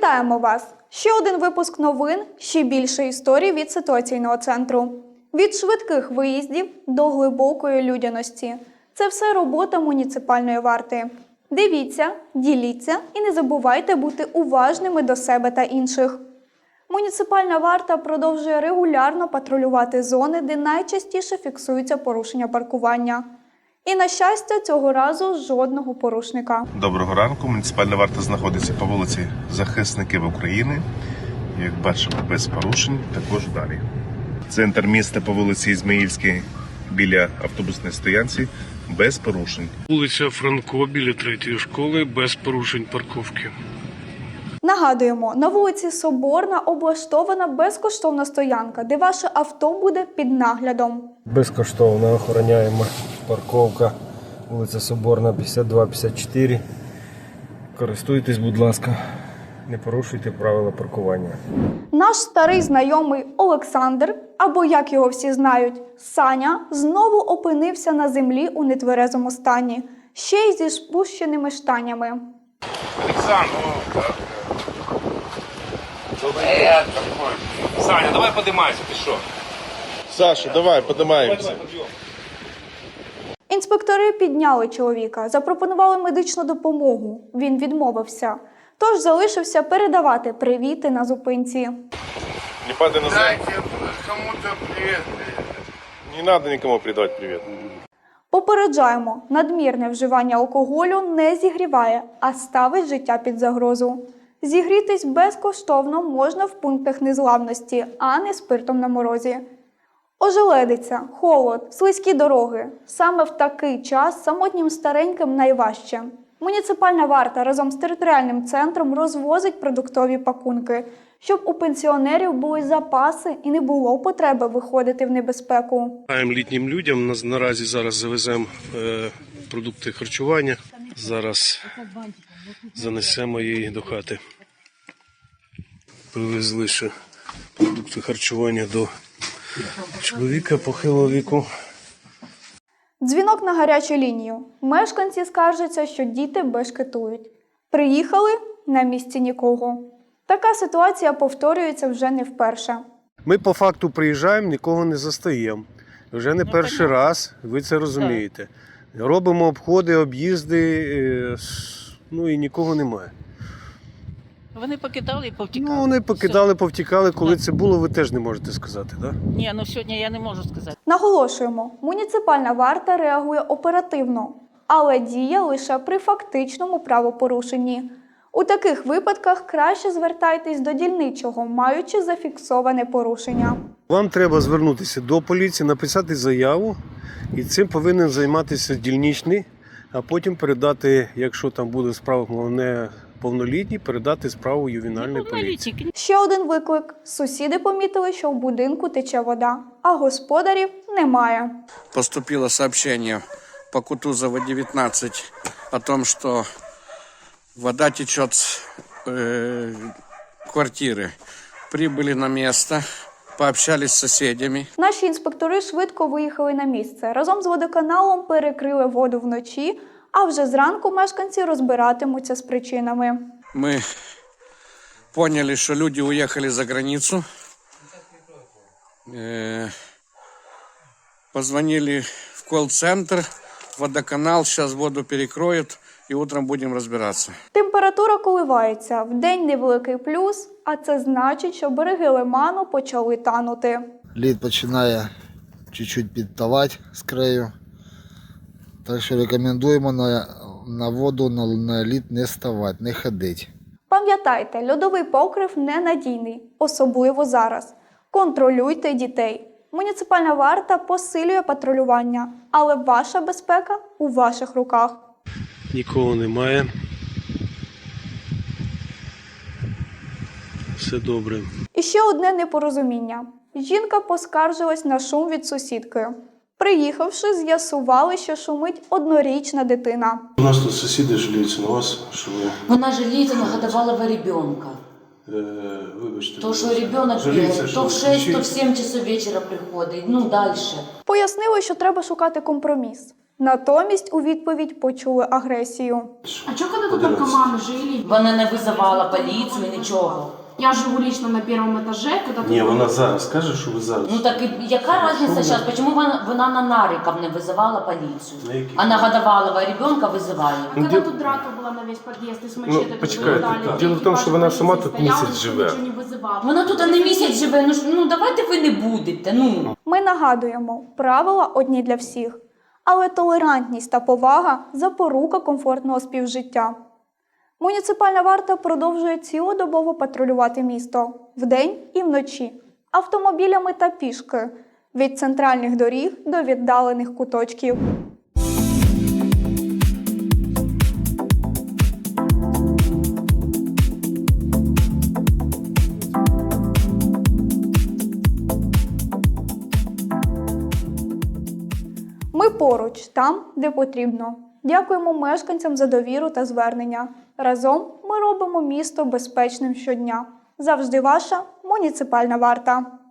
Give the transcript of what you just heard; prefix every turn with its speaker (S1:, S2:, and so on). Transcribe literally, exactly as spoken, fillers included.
S1: Вітаємо вас! Ще один випуск новин, ще більше історій від ситуаційного центру. Від швидких виїздів до глибокої людяності. Це все робота муніципальної варти. Дивіться, діліться і не забувайте бути уважними до себе та інших. Муніципальна варта продовжує регулярно патрулювати зони, де найчастіше фіксуються порушення паркування. І, на щастя, цього разу жодного порушника.
S2: Доброго ранку. Муніципальна варта знаходиться по вулиці Захисників України. Як бачимо, без порушень, також далі. Центр міста по вулиці Ізмаїльській біля автобусної стоянці без порушень.
S3: Вулиця Франко біля третьої школи без порушень парковки.
S1: Нагадуємо, на вулиці Соборна облаштована безкоштовна стоянка, де ваше авто буде під наглядом.
S4: Безкоштовно охороняємо парковка, вулиця Соборна, п'ятдесят два п'ятдесят чотири. Користуйтесь, будь ласка, не порушуйте правила паркування.
S1: Наш старий знайомий Олександр, або як його всі знають, Саня, знову опинився на землі у нетверезому стані, ще й зі спущеними штанями.
S5: Александр, Привет, Саня, давай поднимайся, ты что?
S2: Саша, давай, подимаємося.
S1: Інспектори підняли чоловіка, запропонували медичну допомогу. Він відмовився. Тож залишився передавати привіти на зупинці.
S2: Не падай на землю.
S5: Дайте кому-то привет.
S2: Не треба нікому передавати привіт.
S1: Попереджаємо, надмірне вживання алкоголю не зігріває, а ставить життя під загрозу. Зігрітись безкоштовно можна в пунктах незламності, а не спиртом на морозі. Ожеледиця, холод, слизькі дороги. Саме в такий час самотнім стареньким найважче. Муніципальна варта разом з територіальним центром розвозить продуктові пакунки, щоб у пенсіонерів були запаси і не було потреби виходити в небезпеку.
S3: Літнім людям на- наразі зараз завеземо е, продукти харчування. Зараз занесемо її до хати. Привезли ще продукти харчування до чоловіка похилого віку.
S1: Дзвінок на гарячу лінію. Мешканці скаржаться, що діти бешкетують. Приїхали – на місці нікого. Така ситуація повторюється вже не вперше.
S4: Ми по факту приїжджаємо, нікого не застаємо. Вже не перший раз, ви це розумієте. Робимо обходи, об'їзди, е, с- ну і нікого немає.
S6: Вони покидали і повтікали.
S4: Ну, вони покидали,
S6: Все.
S4: повтікали. Коли
S6: Да.
S4: це було, ви теж не можете сказати, так? Да?
S6: Ні, ну сьогодні я не можу сказати.
S1: Наголошуємо, муніципальна варта реагує оперативно, але діє лише при фактичному правопорушенні. У таких випадках краще звертайтесь до дільничого, маючи зафіксоване порушення.
S4: Вам треба звернутися до поліції, написати заяву, і цим повинен займатися дільничний, а потім передати, якщо там буде справа не повнолітній, передати справу ювенальної поліції.
S6: Аналітики.
S1: Ще один виклик. Сусіди помітили, що в будинку тече вода, а господарів немає.
S7: Поступило сообщение по Кутузова девятнадцать о том, что вода течет с э, квартиры. Прибыли на место, пообщались с соседями.
S1: Наші інспектори швидко виїхали на місце. Разом з водоканалом перекрили воду вночі, а вже зранку мешканці розбиратимуться з причинами.
S7: Мы поняли, что люди уехали за границу. Э, позвонили в колл-центр, водоканал, сейчас воду перекроют, и утром будем разбираться.
S1: Температура коливається. Вдень невеликий плюс, а це значить, що береги лиману почали танути.
S8: Лід починає чуть-чуть підтавати з краю. Так що рекомендуємо на, на воду, на, на лід не ставати, не ходити.
S1: Пам'ятайте, льодовий покрив ненадійний, особливо зараз. Контролюйте дітей. Муніципальна варта посилює патрулювання, але ваша безпека у ваших руках.
S3: Нікого немає. Все добре.
S1: І ще одне непорозуміння. Жінка поскаржилась на шум від сусідки. Приїхавши, з'ясували, що шумить однорічна дитина.
S3: У нас тут сусіди жаліються на вас, що ви,
S9: Вона жаліється на годовалого ребенка.
S3: е, вибачте.
S9: То, що ребенок
S3: жаліється,
S9: бігає,
S3: що
S9: то в шесть,
S3: вночі-
S9: то в сім часов вечора приходить, ну далі.
S1: Пояснили, що треба шукати компроміс. Натомість у відповідь почули агресію.
S10: А что когда тут только мамы жили?
S9: Вона не визивала поліцію, нічого.
S10: Я живу лично на первом этаже, когда
S3: Ні,
S10: тут...
S3: вона зараз каже, що ви зараз.
S9: Ну так і яка різниця зараз? Чому вона, вона на нариках не визивала поліцію?
S3: На які?
S9: А на годовалого ребенка визиває.
S10: Когда тут драка была на весь подъезд, и с мачете тут
S3: почекайте,
S10: вылетали,
S3: діло в тому, що вона сама тут
S10: стояла,
S3: місяць
S10: никто
S3: живе.
S10: ничего не вызывал.
S9: Вона тут не місяць живе, ну, ж- ну давайте ви не будете, ну.
S1: Ми нагадуємо, правила одні для всіх, але толерантність та повага – запорука комфортного співжиття. Муніципальна варта продовжує цілодобово патрулювати місто вдень і вночі, автомобілями та пішки, від центральних доріг до віддалених куточків. Ми поруч, там, де потрібно. Дякуємо мешканцям за довіру та звернення. Разом ми робимо місто безпечним щодня. Завжди ваша муніципальна варта.